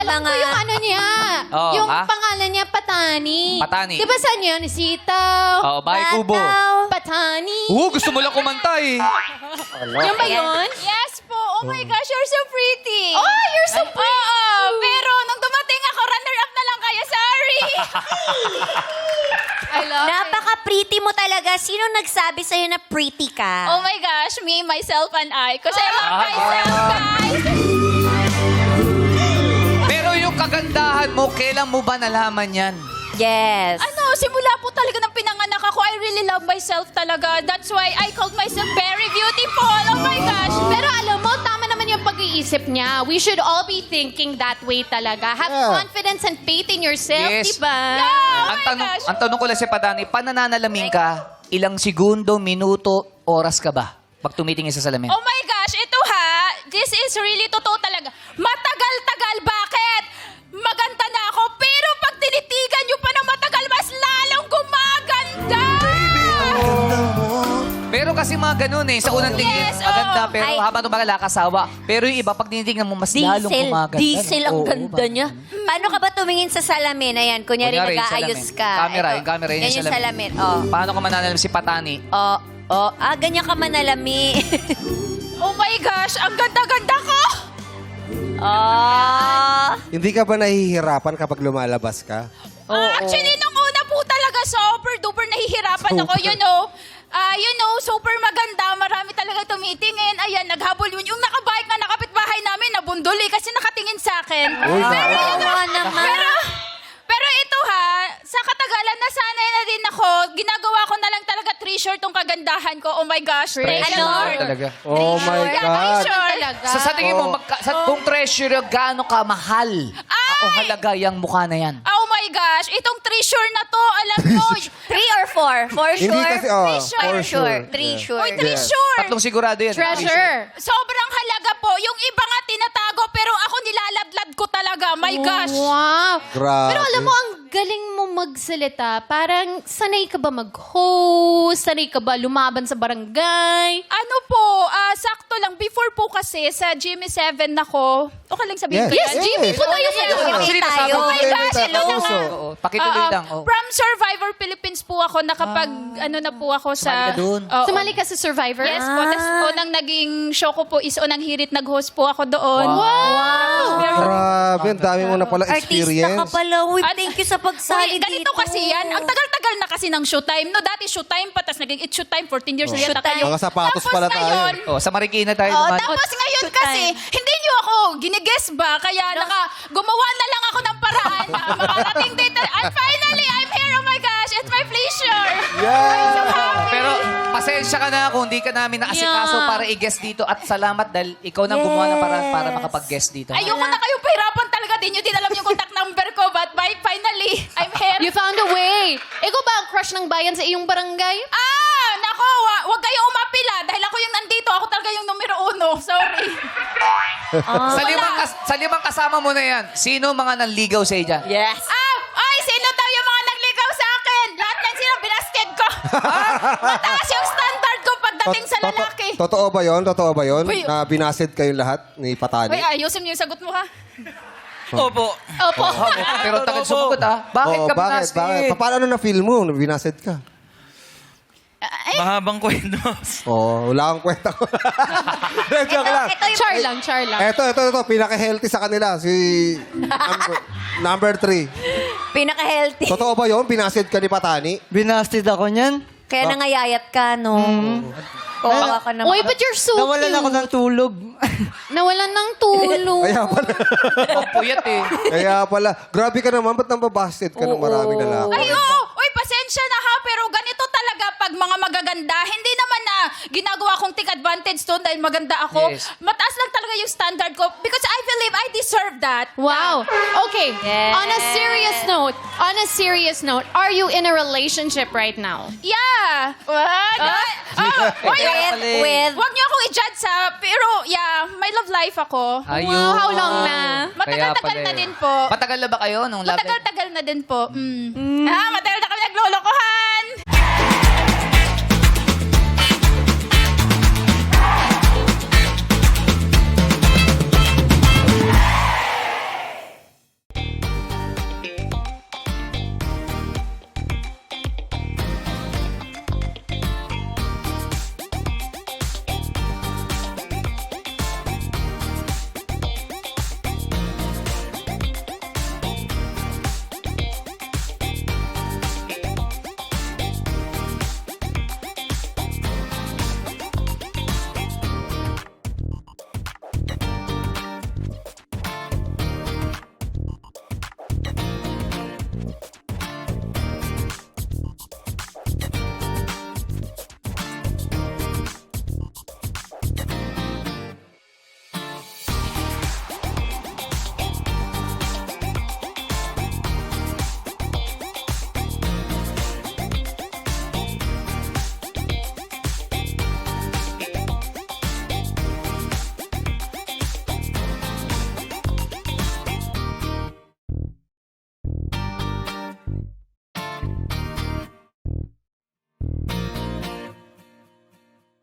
Alam ko yung ano niya. Oo, yung ha? pangalan niya, Patani. Patani. Di ba saan yun? Sitaw. Oo, Bahay Kubo. Patani. Gusto mo lang kumanta eh. Yung ba yun? Yes po. Oh my gosh, you're so pretty. Oh, you're so pretty. Oo, pero nung dumating ako, runner-up na lang kayo. Sorry. I love it. Napaka-pretty mo talaga. Sino nagsabi sa'yo na pretty ka? Oh my gosh, me, myself, and I. Kasi I love myself, guys. Pero yung kagandahan mo, kailan mo ba nalaman yan? Yes. Ano, simula po talaga ng pinanganak ako, I really love myself talaga. That's why I called myself very beautiful. Oh my gosh. Pero alam mo, tama naman yung pag-iisip niya. We should all be thinking that way talaga. Have confidence and faith in yourself, Yes. diba? Oh ang, my tanong, gosh. ang tanong ko lang si Patani, pananalamin ka, ilang segundo, minuto, oras ka ba? Pag tumitingin sa salamin. Oh my gosh, ito ha, this is really totoo talaga. Matagal-tagal, bakit? Maganda na ako, pero pag tinitigan nyo pa ng matagal, mas lalong gumaganda! Pero kasi mga ganun eh, sa unang tingin, Yes, maganda, oo. pero Ay. habang tumagal, kasawa. Pero yung iba, pag tinitingnan mo, mas lalong gumaganda. Diesel ang Oo, ganda ba? niya. Paano ka ba tumingin sa salamin? Ayan, kunyari Kunyari, nag-aayos salamin. ka. Camera, Ito. yung camera, yun Yan yung yung salamin. salamin. Oh. Paano ko mananalam si Patani? Ganyan ka manalami. Oh my gosh, ang ganda-ganda ko! Hindi ka ba nahihirapan kapag lumalabas ka? Actually, nung una po talaga, super duper nahihirapan ako, super maganda, marami talaga tumitingin. Ayan, naghabol yun. Yung nakabike nga, nakapitbahay namin, nabunduli kasi nakatingin sa akin. Kawawa naman. Pero ito ha, sa katagalan, nasanay na din ako. Ginagawa ko na lang talaga treasure tong kagandahan ko. Oh my gosh. Thank you, Ano? Lord. Talaga. Oh my God. Treasure. Talaga. Sa tingin mo, kung treasure, gaano ka mahal? O halaga yung mukha na yan? Oh my gosh, itong treasure na to, alam mo. 3 or 4? For Hindi sure? kasi, For for sure. 3 sure. Uy, treasure. Tatlong sigurado yan. Treasure. Sobrang halaga po. Yung iba nga tinatago, pero ako nilaladlad ko talaga. My gosh. Wow. Grabe. Pero alam mo, ang galing mo magsalita. Parang sanay ka ba mag-host? Sanay ka ba lumaban sa barangay? Ano po, sakto lang. Before po kasi, sa Jimmy 7 ako. Okay lang sabihin ko Yes. yan? Jimmy, po tayo sa iyo. Actually, tayo. nasabi ko Oh my gosh, hello Puso. naman. Oo, pakituloy lang. Oo. From Survivor Philippines po ako. Ano na po ako sa... Sumali ka dun? Oo. Sumali ka sa Survivor? Yes po. Tapos unang naging show ko po is unang hirit nag-host po ako doon. Wow! Grabe, ang dami mo na pala Artista ka experience. pala. Uy, thank you sa pagsali Uy, ganito dito. kasi yan. Ang tagal-tagal na kasi ng showtime. No, dati showtime pa, tapos naging it's showtime. 14 years na yata Showtime. kayo. Mga sapatos Tapos pala tayo. ngayon, Sa Marikina tayo Oh, naman. tapos ngayon Showtime. kasi, hindi niyo ako ginigess ba? Kaya gumawa na lang ako ng paraan na makarating dito. And finally, I'm here. Oh my gosh, it's my pleasure. Pero pasensya ka na kung hindi ka namin naasikaso Yeah. para i-guest dito. At salamat dahil ikaw nang gumawa ng paraan para makapag-guest dito. Ayoko na kayong pahirapan talaga. Di nyo din alam yung contact number ko. But finally, I'm here. You found a way. Ikaw ba ang crush ng bayan sa iyong barangay? Nako, wag kayong umapila. Dahil ako yung nandito. Ako talaga yung numero 1. Sorry. Sa limang kasama mo na yan, sino mga nanligaw sa dyan? Yes. Ay, sino daw yung mga nagligaw sa akin? Lahat yan sila binasted ko. Mataas yung standard ko pagdating sa lalaki. Totoo ba yon? Totoo ba yon? Uy. Na binasid kayong lahat ni Patani? Uy, ayusin mo yung sagot mo ha. Opo. Opo. Pero tagal sumagot ah. Bakit Oo, ka bakit? binasted? Bakit? Paano na-feel mo nung binasid ka? Mahabang kwento. Wala kang kwenta ko. Joke lang. Ito yung Char lang, char lang. Ito. Pinaka-healthy sa kanila. Si number 3. pinaka-healthy. Totoo ba yon? Binasid ka ni Patani? Binasted ako niyan. Kaya nangayayat ka, no? Kawawa ka naman. Uy, but you're so Nawalan cute. ako ng tulog. Nawalan ng tulog. Kaya pala. Ang puyat eh. Kaya pala. Grabe ka naman. Ba't nambabasted ka ng maraming lalaki? Ay, oo. Uy, pasensya na ha. Pero ganito talaga pag mga magaganda. Hindi naman na ginagawa kong take advantage to dahil maganda ako. Yes. Mataas lang talaga yung standard ko. Because I believe I deserve that. Wow. Okay. Yes. On a serious note, are you in a relationship right now? Yeah. What? With Huwag niyo akong i-judge sa, pero yeah, may love life ako. Ayun. Wow, how long na? Matagal-tagal Kaya na pala din eh. po. Matagal na ba kayo nung love life? Matagal-tagal na din po. Matagal na kami nagloloko ha.